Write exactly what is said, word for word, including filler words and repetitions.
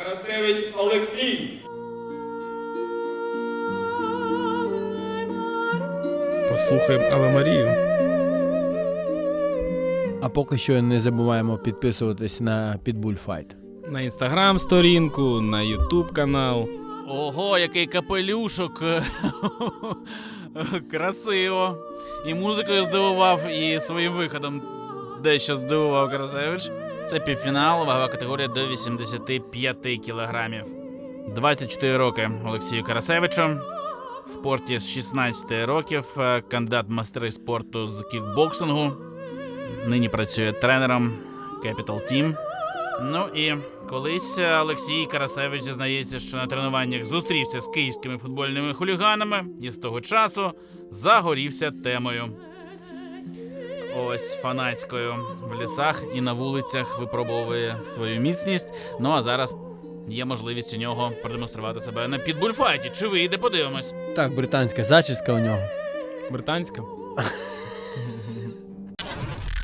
Карасевич Олексій. Послухаємо Аве Марію. А поки що не забуваємо підписуватись на Pitbull Fight. На інстаграм-сторінку, на ютуб канал. Ого, який капелюшок. Красиво. І музикою здивував, і своїм виходом дещо здивував Карасевич. Це півфінал, вагова категорія до вісімдесят п'ять кілограмів. двадцять чотири роки Олексію Карасевичу. В спорті з шістнадцяти років, кандидат в майстри спорту з кікбоксингу. Нині працює тренером Capital Team. Ну і колись Олексій Карасевич зізнається, що на тренуваннях зустрівся з київськими футбольними хуліганами і з того часу загорівся темою. Ось фанатською в лісах і на вулицях випробовує свою міцність. Ну а зараз є можливість у нього продемонструвати себе на підбульфайті. Чи вийде, подивимось. Так, британська зачіска у нього. Британська.